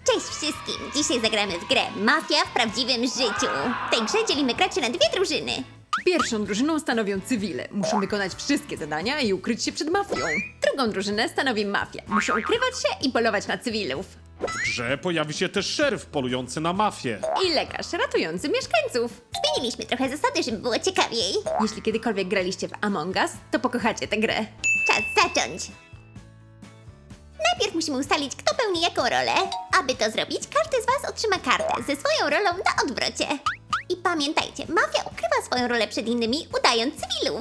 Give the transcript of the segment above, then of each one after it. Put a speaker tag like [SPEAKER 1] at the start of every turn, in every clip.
[SPEAKER 1] Cześć wszystkim! Dzisiaj zagramy w grę Mafia w prawdziwym życiu. W tej grze dzielimy graczy na dwie drużyny.
[SPEAKER 2] Pierwszą drużyną stanowią cywile. Muszą wykonać wszystkie zadania i ukryć się przed mafią. Drugą drużynę stanowi mafia. Muszą ukrywać się i polować na cywilów.
[SPEAKER 3] W grze pojawi się też szeryf polujący na mafię.
[SPEAKER 2] I lekarz ratujący mieszkańców.
[SPEAKER 1] Zmieniliśmy trochę zasady, żeby było ciekawiej.
[SPEAKER 2] Jeśli kiedykolwiek graliście w Among Us, to pokochacie tę grę.
[SPEAKER 1] Czas zacząć! Najpierw musimy ustalić, kto pełni jaką rolę. Aby to zrobić, każdy z Was otrzyma kartę ze swoją rolą na odwrocie. I pamiętajcie, mafia ukrywa swoją rolę przed innymi, udając cywilów.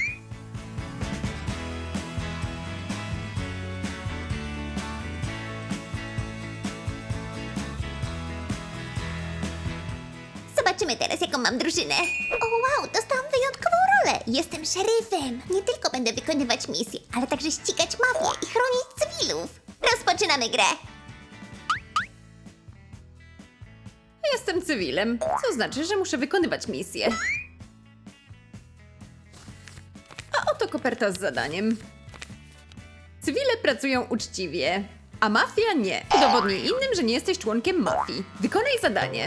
[SPEAKER 1] Zobaczymy teraz, jaką mam drużynę. O wow, dostałam wyjątkową rolę. Jestem szeryfem. Nie tylko będę wykonywać misje, ale także ścigać mafię i chronić cywilów. Rozpoczynamy grę.
[SPEAKER 2] Jestem cywilem, co znaczy, że muszę wykonywać misję. A oto koperta z zadaniem. Cywile pracują uczciwie, a mafia nie. Udowodnij innym, że nie jesteś członkiem mafii. Wykonaj zadanie.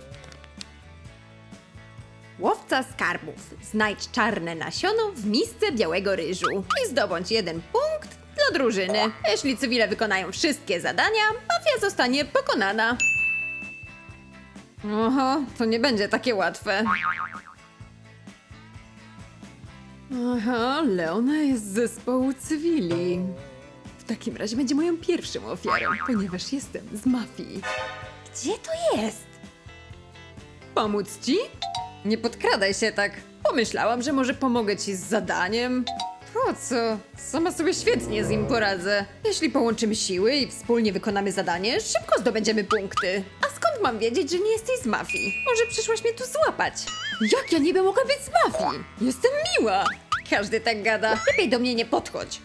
[SPEAKER 2] Łowca skarbów. Znajdź czarne nasiono w misce białego ryżu i zdobądź 1 punkt dla drużyny. Jeśli cywile wykonają wszystkie zadania, mafia zostanie pokonana. Oho, to nie będzie takie łatwe. Aha, Leona jest z zespołu cywili. W takim razie będzie moją pierwszą ofiarą, ponieważ jestem z mafii. Gdzie to jest? Pomóc ci? Nie podkradaj się tak. Pomyślałam, że może pomogę ci z zadaniem. Po co? Sama sobie świetnie z nim poradzę. Jeśli połączymy siły i wspólnie wykonamy zadanie, szybko zdobędziemy punkty. A skąd mam wiedzieć, że nie jesteś z mafii? Może przyszłaś mnie tu złapać? Jak ja niby mogę być z mafii? Jestem miła. Każdy tak gada. Lepiej do mnie nie podchodź.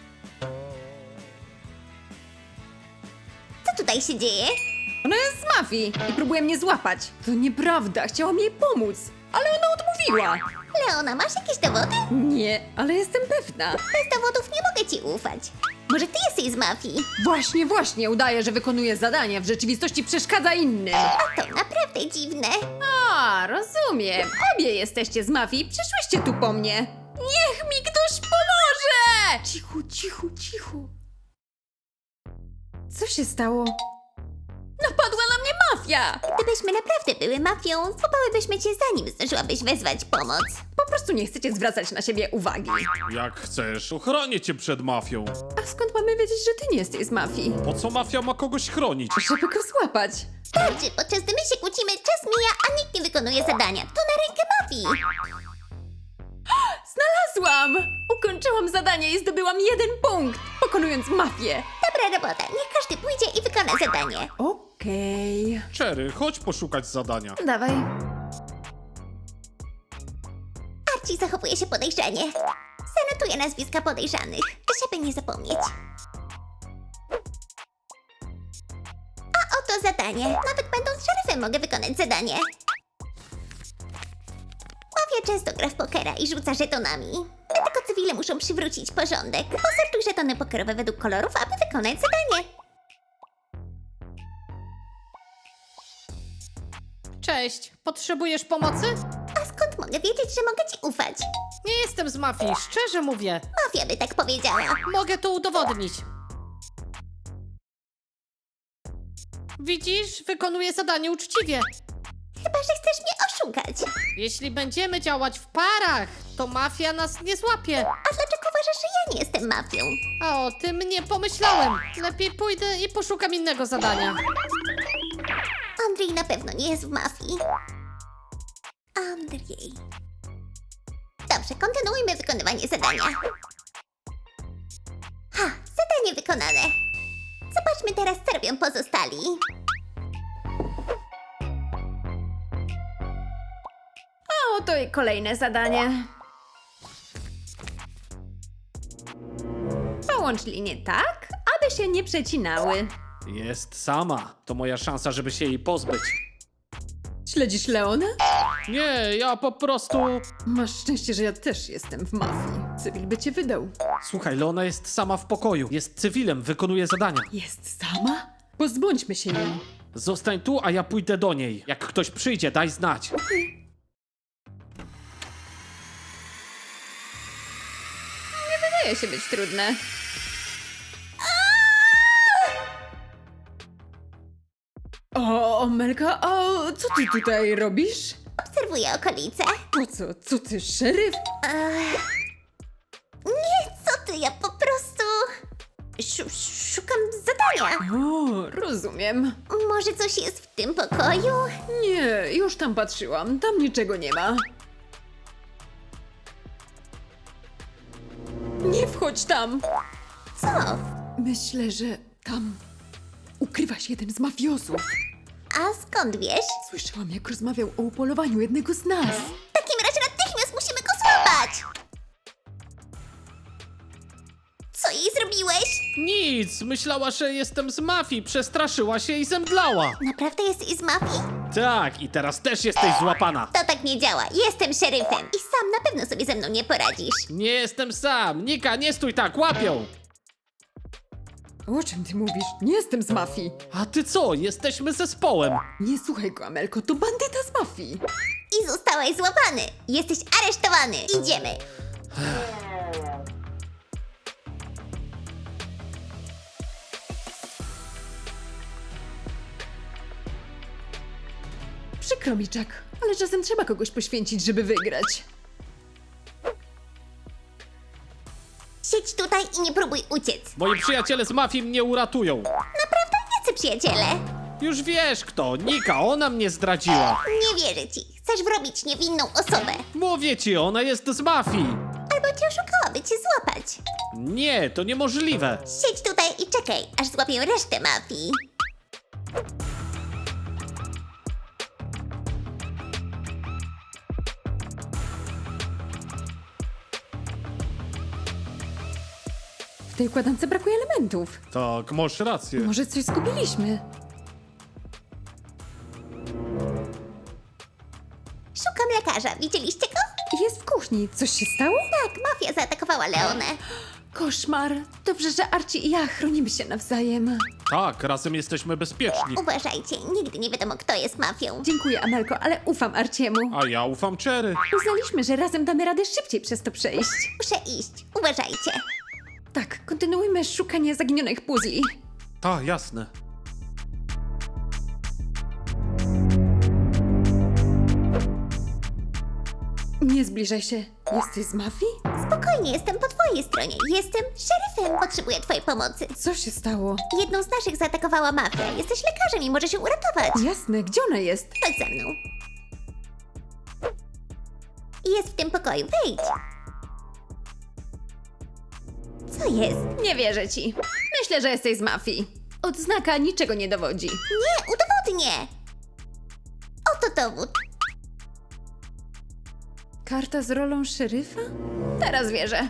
[SPEAKER 1] Co tutaj się dzieje?
[SPEAKER 2] Ona jest z mafii i próbuje mnie złapać. To nieprawda, chciałam jej pomóc, ale ona odmówiła.
[SPEAKER 1] Leona, masz jakieś dowody?
[SPEAKER 2] Nie, ale jestem pewna.
[SPEAKER 1] Bez dowodów nie mogę ci ufać. Może ty jesteś z mafii?
[SPEAKER 2] Właśnie, udaje, że wykonuje zadania, w rzeczywistości przeszkadza innym.
[SPEAKER 1] A to naprawdę dziwne.
[SPEAKER 2] A, rozumiem. Obie jesteście z mafii, przyszłyście tu po mnie. Niech mi ktoś pomoże! Cicho. Co się stało? Napadła na mnie mafia!
[SPEAKER 1] Gdybyśmy naprawdę były mafią, złapałybyśmy cię zanim zdążyłabyś wezwać pomoc.
[SPEAKER 2] Po prostu nie chcecie zwracać na siebie uwagi.
[SPEAKER 3] Jak chcesz, ochronię cię przed mafią.
[SPEAKER 2] A skąd mamy wiedzieć, że ty nie jesteś z mafii?
[SPEAKER 3] Po co mafia ma kogoś chronić?
[SPEAKER 2] Żeby go złapać.
[SPEAKER 1] Starczy, podczas gdy my się kłócimy, czas mija, a nikt nie wykonuje zadania. To na rękę mafii.
[SPEAKER 2] Znalazłam! Ukończyłam zadanie i zdobyłam 1 punkt, pokonując mafię.
[SPEAKER 1] Dobra robota, niech każdy pójdzie i wykona zadanie.
[SPEAKER 2] Okej.
[SPEAKER 3] Cherry, chodź poszukać zadania.
[SPEAKER 2] Dawaj.
[SPEAKER 1] Archie zachowuje się podejrzanie. Zanotuję nazwiska podejrzanych, żeby nie zapomnieć. A oto zadanie. Nawet będąc szeryfem mogę wykonać zadanie. Mafia często gra w pokera i rzuca żetonami. Dlatego cywile muszą przywrócić porządek. Posortuj żetony pokerowe według kolorów, aby wykonać zadanie.
[SPEAKER 4] Cześć, potrzebujesz pomocy?
[SPEAKER 1] A skąd mogę wiedzieć, że mogę ci ufać?
[SPEAKER 4] Nie jestem z mafii, szczerze mówię.
[SPEAKER 1] Mafia by tak powiedziała.
[SPEAKER 4] Mogę to udowodnić. Widzisz, wykonuję zadanie uczciwie.
[SPEAKER 1] Chyba, że chcesz mnie oszukać.
[SPEAKER 4] Jeśli będziemy działać w parach, to mafia nas nie złapie.
[SPEAKER 1] A dlaczego uważasz, że ja nie jestem mafią?
[SPEAKER 4] A o tym nie pomyślałem. Lepiej pójdę i poszukam innego zadania.
[SPEAKER 1] Andrzej na pewno nie jest w mafii. Andrzej. Dobrze, kontynuujmy wykonywanie zadania. Ha, zadanie wykonane. Zobaczmy teraz, co robią pozostali.
[SPEAKER 2] A oto i kolejne zadanie. Połącz linie tak, aby się nie przecinały.
[SPEAKER 3] Jest sama. To moja szansa, żeby się jej pozbyć.
[SPEAKER 2] Śledzisz Leonę?
[SPEAKER 3] Nie, ja po prostu...
[SPEAKER 2] Masz szczęście, że ja też jestem w mafii. Cywil by cię wydał.
[SPEAKER 3] Słuchaj, Leona jest sama w pokoju. Jest cywilem, wykonuje zadania.
[SPEAKER 2] Jest sama? Pozbądźmy się jej.
[SPEAKER 3] Zostań tu, a ja pójdę do niej. Jak ktoś przyjdzie, daj znać.
[SPEAKER 2] Wydaje się być trudne. O, Amelka, a co ty tutaj robisz?
[SPEAKER 1] Obserwuję okolice.
[SPEAKER 2] Po co? Co ty, szeryf?
[SPEAKER 1] Nie, co ty, ja po prostu... szukam zadania.
[SPEAKER 2] O, rozumiem.
[SPEAKER 1] Może coś jest w tym pokoju?
[SPEAKER 2] Nie, już tam patrzyłam. Tam niczego nie ma. Nie wchodź tam!
[SPEAKER 1] Co?
[SPEAKER 2] Myślę, że tam ukrywa się jeden z mafiozów.
[SPEAKER 1] A skąd wiesz?
[SPEAKER 2] Słyszałam, jak rozmawiał o upolowaniu jednego z nas.
[SPEAKER 1] W takim razie natychmiast musimy go złapać! Co jej zrobiłeś?
[SPEAKER 3] Nic, myślała, że jestem z mafii, przestraszyła się i zemdlała.
[SPEAKER 1] Naprawdę jesteś z mafii?
[SPEAKER 3] Tak, i teraz też jesteś złapana.
[SPEAKER 1] To tak nie działa. Jestem szeryfem i sam na pewno sobie ze mną nie poradzisz.
[SPEAKER 3] Nie jestem sam. Nika, nie stój tak, łapią.
[SPEAKER 2] O czym ty mówisz? Nie jestem z mafii.
[SPEAKER 3] A ty co? Jesteśmy zespołem.
[SPEAKER 2] Nie słuchaj go, Amelko, to bandyta z mafii.
[SPEAKER 1] I zostałeś złapany. Jesteś aresztowany. Idziemy.
[SPEAKER 2] Przykro mi, Jack, ale czasem trzeba kogoś poświęcić, żeby wygrać.
[SPEAKER 1] Siedź tutaj i nie próbuj uciec.
[SPEAKER 3] Moi przyjaciele z mafii mnie uratują.
[SPEAKER 1] Naprawdę jacy przyjaciele?
[SPEAKER 3] Już wiesz kto, Nika, ona mnie zdradziła.
[SPEAKER 1] Nie wierzę ci. Chcesz wrobić niewinną osobę.
[SPEAKER 3] Mówię ci, ona jest z mafii.
[SPEAKER 1] Albo cię oszukała, by cię złapać.
[SPEAKER 3] Nie, to niemożliwe.
[SPEAKER 1] Siedź tutaj i czekaj, aż złapię resztę mafii.
[SPEAKER 2] W tej układance brakuje elementów.
[SPEAKER 3] Tak, masz rację.
[SPEAKER 2] Może coś zgubiliśmy?
[SPEAKER 1] Szukam lekarza. Widzieliście go?
[SPEAKER 2] Jest w kuchni. Coś się stało?
[SPEAKER 1] Tak, mafia zaatakowała Leonę.
[SPEAKER 2] Koszmar. Dobrze, że Archie i ja chronimy się nawzajem.
[SPEAKER 3] Tak, razem jesteśmy bezpieczni.
[SPEAKER 1] Uważajcie, nigdy nie wiadomo, kto jest mafią.
[SPEAKER 2] Dziękuję, Amelko, ale ufam Arciemu.
[SPEAKER 3] A ja ufam Cherry.
[SPEAKER 2] Uznaliśmy, że razem damy radę szybciej przez to przejść.
[SPEAKER 1] Muszę iść. Uważajcie.
[SPEAKER 2] Tak, kontynuujmy szukanie zaginionych puzli.
[SPEAKER 3] Tak, jasne.
[SPEAKER 2] Nie zbliżaj się. Jesteś z mafii?
[SPEAKER 1] Spokojnie, jestem po twojej stronie. Jestem szeryfem. Potrzebuję twojej pomocy.
[SPEAKER 2] Co się stało?
[SPEAKER 1] Jedną z naszych zaatakowała mafia. Jesteś lekarzem i może się uratować.
[SPEAKER 2] Jasne, gdzie ona jest?
[SPEAKER 1] Chodź za mną. Jest w tym pokoju. Wejdź. Co jest?
[SPEAKER 2] Nie wierzę ci. Myślę, że jesteś z mafii. Odznaka niczego nie dowodzi.
[SPEAKER 1] Nie, udowodnię. Oto dowód.
[SPEAKER 2] Karta z rolą szeryfa? Teraz wierzę.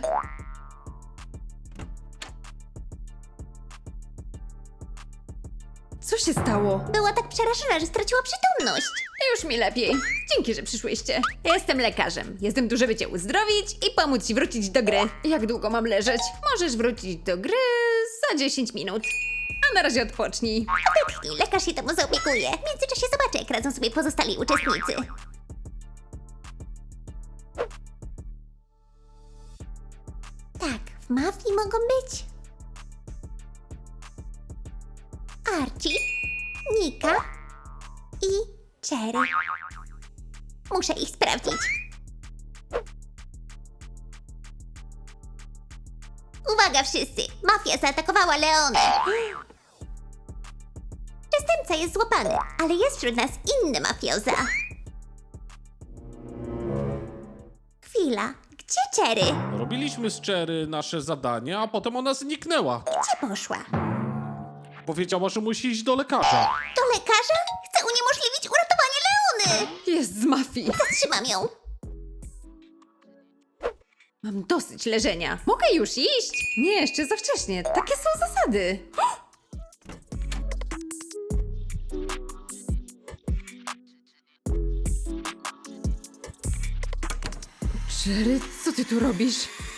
[SPEAKER 2] Co się stało?
[SPEAKER 1] Była tak przerażona, że straciła przytomność.
[SPEAKER 2] Już mi lepiej. Dzięki, że przyszłyście. Jestem lekarzem. Jestem tu, żeby cię uzdrowić i pomóc ci wrócić do gry. Jak długo mam leżeć? Możesz wrócić do gry za 10 minut. A na razie odpocznij.
[SPEAKER 1] Odetchnij, lekarz się temu zaopiekuje. W międzyczasie zobaczę, jak radzą sobie pozostali uczestnicy. Tak, w mafii mogą być Archie, Nika i Cherry. Muszę ich sprawdzić. Uwaga wszyscy! Mafia zaatakowała Leonę. Przestępca jest złapany, ale jest wśród nas inny mafioza. Chwila, gdzie Cherry?
[SPEAKER 3] Robiliśmy z Cherry nasze zadanie, a potem ona zniknęła.
[SPEAKER 1] Gdzie poszła?
[SPEAKER 3] Powiedziała, że musi iść do lekarza.
[SPEAKER 1] Do lekarza? Chce uniemożliwić uratowanie Leony!
[SPEAKER 2] Jest z mafii.
[SPEAKER 1] Zatrzymam ją.
[SPEAKER 2] Mam dosyć leżenia. Mogę już iść? Nie, jeszcze za wcześnie. Takie są zasady. Sherry, co ty tu robisz?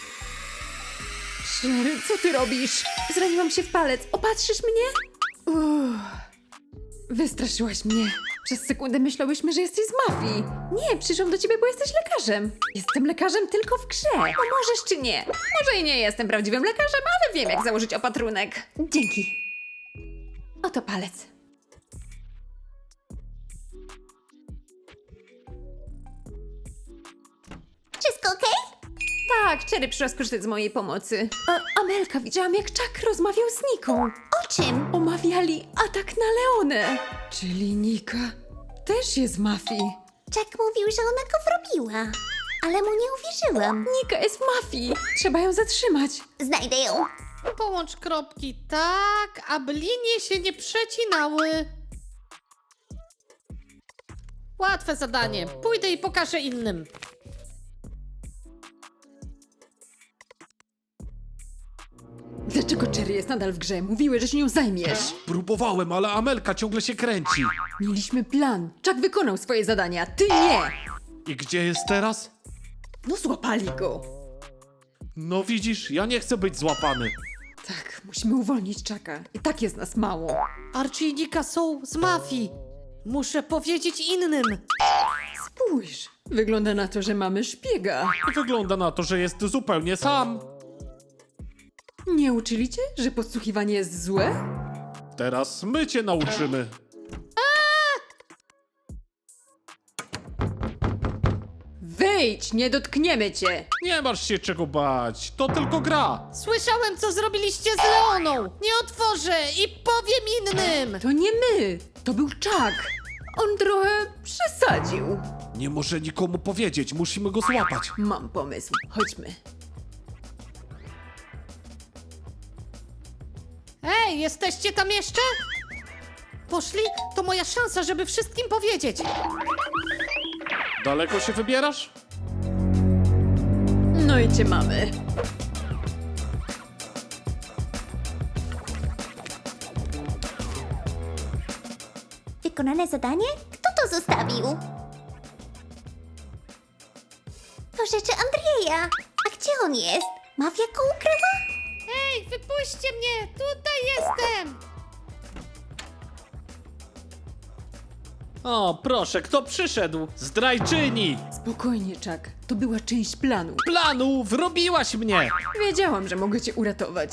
[SPEAKER 2] Sherry, co ty robisz? Zraniłam się w palec. Opatrzysz mnie? Wystraszyłaś mnie. Przez sekundę myślałyśmy, że jesteś z mafii. Nie, przyszłam do ciebie, bo jesteś lekarzem. Jestem lekarzem tylko w grze. Pomożesz czy nie? Może i nie jestem prawdziwym lekarzem, ale wiem, jak założyć opatrunek. Dzięki. Oto palec.
[SPEAKER 1] Wszystko okej?
[SPEAKER 2] Tak, Cherry przyszła skorzystać z mojej pomocy. Amelka, widziałam, jak Chuck rozmawiał z Niką.
[SPEAKER 1] O czym?
[SPEAKER 2] Omawiali atak na Leonę. Czyli Nika też jest z mafii.
[SPEAKER 1] Jack mówił, że ona go wrobiła, ale mu nie uwierzyłam.
[SPEAKER 2] Nika jest w mafii. Trzeba ją zatrzymać.
[SPEAKER 1] Znajdę ją.
[SPEAKER 4] Połącz kropki tak, aby linie się nie przecinały. Łatwe zadanie. Pójdę i pokażę innym.
[SPEAKER 2] Dlaczego Cherry jest nadal w grze? Mówiły, że się nią zajmiesz.
[SPEAKER 3] Próbowałem, ale Amelka ciągle się kręci.
[SPEAKER 2] Mieliśmy plan. Chuck wykonał swoje zadania, ty nie.
[SPEAKER 3] I gdzie jest teraz?
[SPEAKER 2] No złapali go.
[SPEAKER 3] No widzisz, ja nie chcę być złapany.
[SPEAKER 2] Tak, musimy uwolnić Chucka. I tak jest nas mało.
[SPEAKER 4] Archie i Nika są z mafii. Muszę powiedzieć innym.
[SPEAKER 2] Spójrz. Wygląda na to, że mamy szpiega.
[SPEAKER 3] Wygląda na to, że jest zupełnie sam.
[SPEAKER 2] Nie uczyli cię, że podsłuchiwanie jest złe?
[SPEAKER 3] Teraz my cię nauczymy.
[SPEAKER 2] Wyjdź, nie dotkniemy cię.
[SPEAKER 3] Nie masz się czego bać, to tylko gra.
[SPEAKER 4] Słyszałem, co zrobiliście z Leoną. Nie otworzę i powiem innym.
[SPEAKER 2] To nie my, to był Chuck. On trochę przesadził.
[SPEAKER 3] Nie może nikomu powiedzieć, musimy go złapać.
[SPEAKER 2] Mam pomysł, chodźmy.
[SPEAKER 4] Ej, jesteście tam jeszcze? Poszli? To moja szansa, żeby wszystkim powiedzieć.
[SPEAKER 3] Daleko się wybierasz?
[SPEAKER 2] No i cię mamy.
[SPEAKER 1] Wykonane zadanie? Kto to zostawił? To rzeczy Andrzeja. A gdzie on jest? Mafia go ukryła?
[SPEAKER 4] Ej, wypuśćcie mnie! Tutaj jestem!
[SPEAKER 3] O, proszę, kto przyszedł? Zdrajczyni!
[SPEAKER 2] Spokojnie, Chuck. To była część planu.
[SPEAKER 3] Planu, wrobiłaś mnie!
[SPEAKER 2] Wiedziałam, że mogę cię uratować.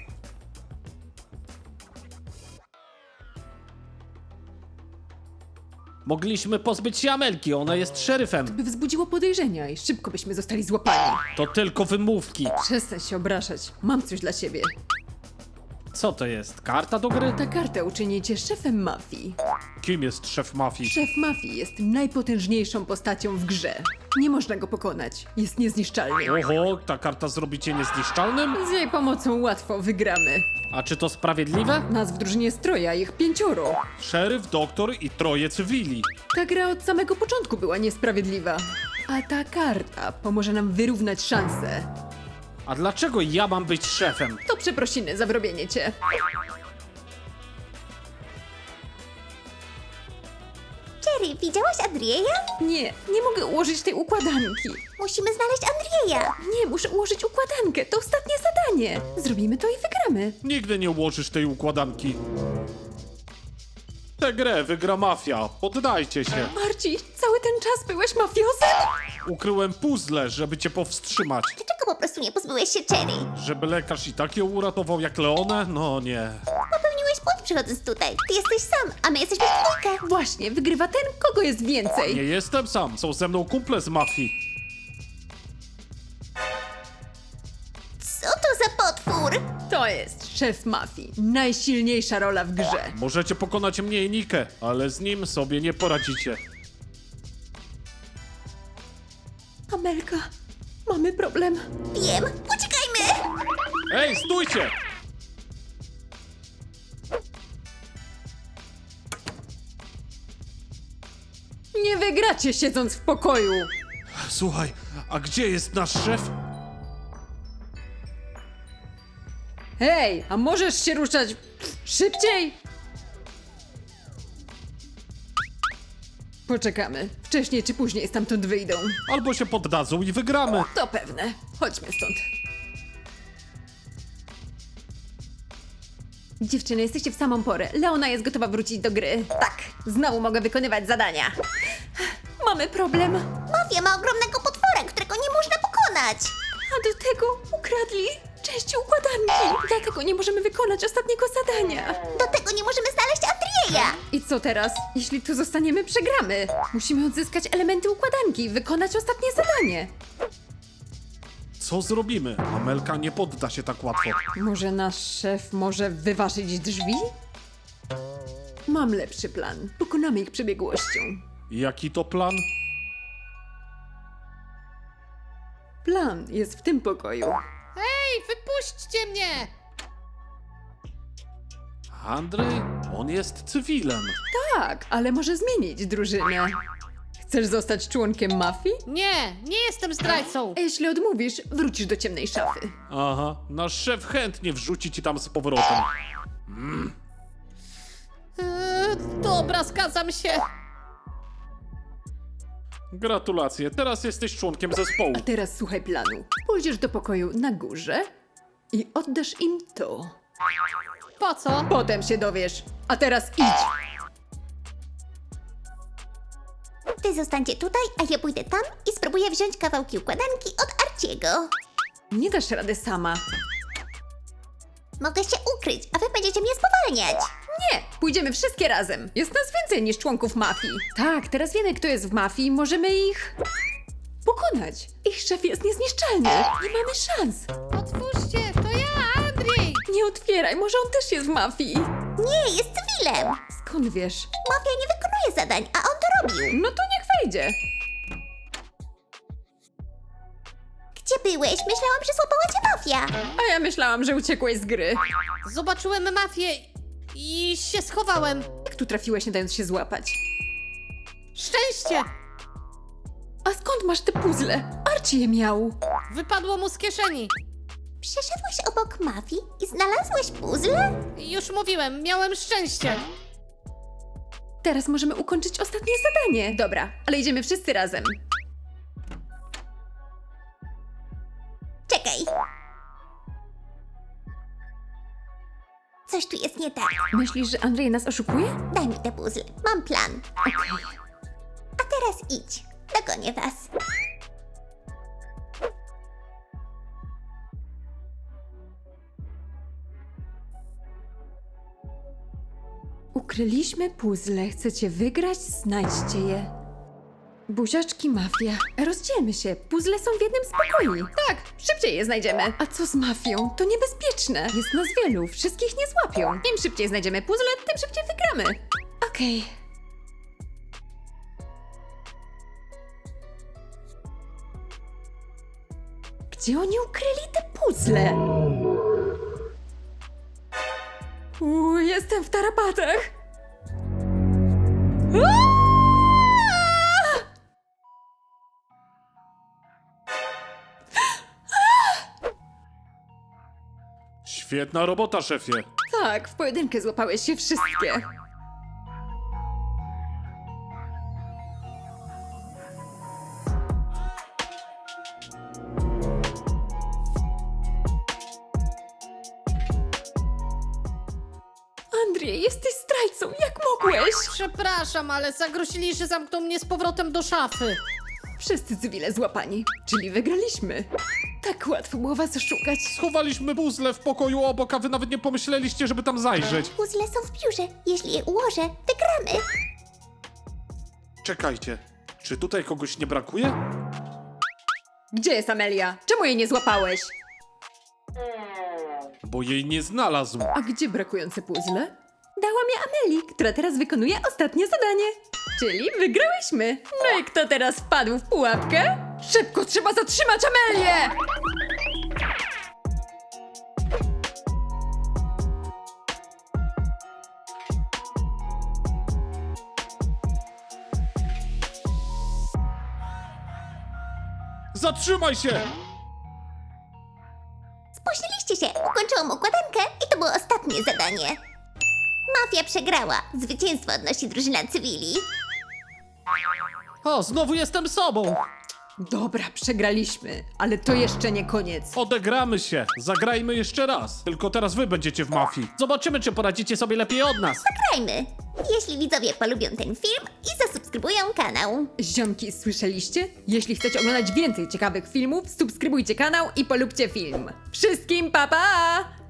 [SPEAKER 3] Mogliśmy pozbyć się Amelki, ona jest szeryfem.
[SPEAKER 2] By wzbudziło podejrzenia i szybko byśmy zostali złapani.
[SPEAKER 3] To tylko wymówki.
[SPEAKER 2] Przestań się obrażać. Mam coś dla ciebie.
[SPEAKER 3] Co to jest? Karta do gry?
[SPEAKER 2] Ta karta uczyni cię szefem mafii.
[SPEAKER 3] Kim jest szef mafii?
[SPEAKER 2] Szef mafii jest najpotężniejszą postacią w grze. Nie można go pokonać. Jest niezniszczalny.
[SPEAKER 3] Oho, ta karta zrobi cię niezniszczalnym?
[SPEAKER 2] Z jej pomocą łatwo wygramy.
[SPEAKER 3] A czy to sprawiedliwe?
[SPEAKER 2] Nas w drużynie jest troje, a ich 5.
[SPEAKER 3] Szeryf, doktor i troje cywili.
[SPEAKER 2] Ta gra od samego początku była niesprawiedliwa. A ta karta pomoże nam wyrównać szanse.
[SPEAKER 3] A dlaczego ja mam być szefem?
[SPEAKER 2] To przeprosiny za wrobienie cię.
[SPEAKER 1] Cherry, widziałaś Andrzeja?
[SPEAKER 2] Nie mogę ułożyć tej układanki.
[SPEAKER 1] Musimy znaleźć Andrzeja.
[SPEAKER 2] Nie, muszę ułożyć układankę. To ostatnie zadanie. Zrobimy to i wygramy.
[SPEAKER 3] Nigdy nie ułożysz tej układanki. Tę grę wygra mafia. Poddajcie się.
[SPEAKER 2] Marci, cały ten czas byłeś mafiozem?
[SPEAKER 3] Ukryłem puzzle, żeby cię powstrzymać.
[SPEAKER 1] Dlaczego po prostu nie pozbyłeś się Cherry?
[SPEAKER 3] Żeby lekarz i tak ją uratował jak Leonę? No nie.
[SPEAKER 1] Popełniłeś błąd przychodząc tutaj. Ty jesteś sam, a my jesteśmy w dwójkę.
[SPEAKER 2] Właśnie, wygrywa ten, kogo jest więcej.
[SPEAKER 3] Nie jestem sam. Są ze mną kumple z mafii.
[SPEAKER 1] Co to za potwór?
[SPEAKER 2] To jest szef mafii. Najsilniejsza rola w grze.
[SPEAKER 3] Możecie pokonać mnie i Nikę, ale z nim sobie nie poradzicie.
[SPEAKER 2] Amelka, mamy problem.
[SPEAKER 1] Wiem, uciekajmy!
[SPEAKER 3] Ej, stójcie!
[SPEAKER 2] Nie wygracie siedząc w pokoju.
[SPEAKER 3] Słuchaj, a gdzie jest nasz szef?
[SPEAKER 2] Hej, a możesz się ruszać szybciej? Poczekamy. Wcześniej czy później stamtąd wyjdą.
[SPEAKER 3] Albo się poddadzą i wygramy.
[SPEAKER 2] To pewne. Chodźmy stąd. Dziewczyny, jesteście w samą porę. Leona jest gotowa wrócić do gry. Tak, znowu mogę wykonywać zadania. Mamy problem.
[SPEAKER 1] Mafia ma ogromnego potwora, którego nie można pokonać.
[SPEAKER 2] A do tego ukradli części układanki. Dlatego nie możemy wykonać ostatniego zadania.
[SPEAKER 1] Do tego nie możemy znaleźć Andrzeja.
[SPEAKER 2] I co teraz? Jeśli tu zostaniemy, przegramy. Musimy odzyskać elementy układanki i wykonać ostatnie zadanie.
[SPEAKER 3] Co zrobimy? Amelka nie podda się tak łatwo.
[SPEAKER 2] Może nasz szef może wyważyć drzwi? Mam lepszy plan. Pokonamy ich przebiegłością.
[SPEAKER 3] Jaki to plan?
[SPEAKER 2] Plan jest w tym pokoju.
[SPEAKER 4] Ej, wypuśćcie mnie!
[SPEAKER 3] Andrzej? On jest cywilem.
[SPEAKER 2] Tak, ale może zmienić drużynę. Chcesz zostać członkiem mafii?
[SPEAKER 4] Nie, nie jestem zdrajcą.
[SPEAKER 2] A jeśli odmówisz, wrócisz do ciemnej szafy.
[SPEAKER 3] Aha, nasz szef chętnie wrzuci ci tam z powrotem.
[SPEAKER 4] Dobra, zgadzam się.
[SPEAKER 3] Gratulacje, teraz jesteś członkiem zespołu.
[SPEAKER 2] A teraz słuchaj planu. Pójdziesz do pokoju na górze i oddasz im to.
[SPEAKER 4] Po co?
[SPEAKER 2] Potem się dowiesz. A teraz idź!
[SPEAKER 1] Ty zostańcie tutaj, a ja pójdę tam i spróbuję wziąć kawałki układanki od Arciego.
[SPEAKER 2] Nie dasz rady sama.
[SPEAKER 1] Mogę się ukryć, a wy będziecie mnie spowalniać.
[SPEAKER 2] Nie, pójdziemy wszystkie razem. Jest nas więcej niż członków mafii. Tak, teraz wiemy, kto jest w mafii i możemy ich pokonać. Ich szef jest niezniszczalny. Nie mamy szans.
[SPEAKER 4] Otwórzcie, to ja, Andrzej.
[SPEAKER 2] Nie otwieraj, może on też jest w mafii.
[SPEAKER 1] Nie, jest cywilem.
[SPEAKER 2] Skąd wiesz?
[SPEAKER 1] Mafia nie wykonuje zadań, a on to robił.
[SPEAKER 2] No to niech wejdzie.
[SPEAKER 1] Gdzie byłeś? Myślałam, że złapała cię mafia.
[SPEAKER 2] A ja myślałam, że uciekłeś z gry.
[SPEAKER 4] Zobaczyłem mafię i się schowałem.
[SPEAKER 2] Jak tu trafiłeś, nie dając się złapać?
[SPEAKER 4] Szczęście!
[SPEAKER 2] A skąd masz te puzzle? Archie je miał.
[SPEAKER 4] Wypadło mu z kieszeni.
[SPEAKER 1] Przeszedłeś obok mafii i znalazłeś puzzle?
[SPEAKER 4] Już mówiłem, miałem szczęście.
[SPEAKER 2] Teraz możemy ukończyć ostatnie zadanie. Dobra, ale idziemy wszyscy razem.
[SPEAKER 1] Czekaj. Coś tu jest nie tak.
[SPEAKER 2] Myślisz, że Andrzej nas oszukuje?
[SPEAKER 1] Daj mi te puzzle. Mam plan.
[SPEAKER 2] Okej.
[SPEAKER 1] A teraz idź. Dogonię was.
[SPEAKER 2] Ukryliśmy puzzle. Chcecie wygrać? Znajdźcie je. Buziaczki mafia. Rozdzielmy się. Puzzle są w jednym z pokoi. Tak, szybciej je znajdziemy. A co z mafią? To niebezpieczne. Jest nas wielu. Wszystkich nie złapią. Im szybciej znajdziemy puzzle, tym szybciej wygramy. Okej. Gdzie oni ukryli te puzzle? Jestem w tarapatach.
[SPEAKER 3] Świetna robota, szefie.
[SPEAKER 2] Tak, w pojedynkę złapałeś się wszystkie. Andrzej, jesteś zdrajcą, jak mogłeś?
[SPEAKER 4] Przepraszam, ale zagrozili, że zamkną mnie z powrotem do szafy.
[SPEAKER 2] Wszyscy cywile złapani, czyli wygraliśmy. Tak łatwo było was oszukać.
[SPEAKER 3] Schowaliśmy puzzle w pokoju obok, a wy nawet nie pomyśleliście, żeby tam zajrzeć.
[SPEAKER 1] Puzzle są w biurze. Jeśli je ułożę, wygramy.
[SPEAKER 3] Czekajcie, czy tutaj kogoś nie brakuje?
[SPEAKER 2] Gdzie jest Amelia? Czemu jej nie złapałeś?
[SPEAKER 3] Bo jej nie znalazł.
[SPEAKER 2] A gdzie brakujące puzzle? Dałam je Ameli, która teraz wykonuje ostatnie zadanie. Czyli wygrałyśmy. No i kto teraz wpadł w pułapkę? Szybko, trzeba zatrzymać Amelię!
[SPEAKER 3] Zatrzymaj się!
[SPEAKER 1] Spóźniliście się. Ukończyłam układankę i to było ostatnie zadanie. Mafia przegrała. Zwycięstwo odnosi drużyna cywili.
[SPEAKER 3] O, znowu jestem sobą.
[SPEAKER 2] Dobra, przegraliśmy, ale to jeszcze nie koniec.
[SPEAKER 3] Odegramy się. Zagrajmy jeszcze raz. Tylko teraz wy będziecie w mafii. Zobaczymy, czy poradzicie sobie lepiej od nas.
[SPEAKER 1] Grajmy! Jeśli widzowie polubią ten film i zasubskrybują kanał.
[SPEAKER 2] Ziomki, słyszeliście? Jeśli chcecie oglądać więcej ciekawych filmów, subskrybujcie kanał i polubcie film. Wszystkim pa pa!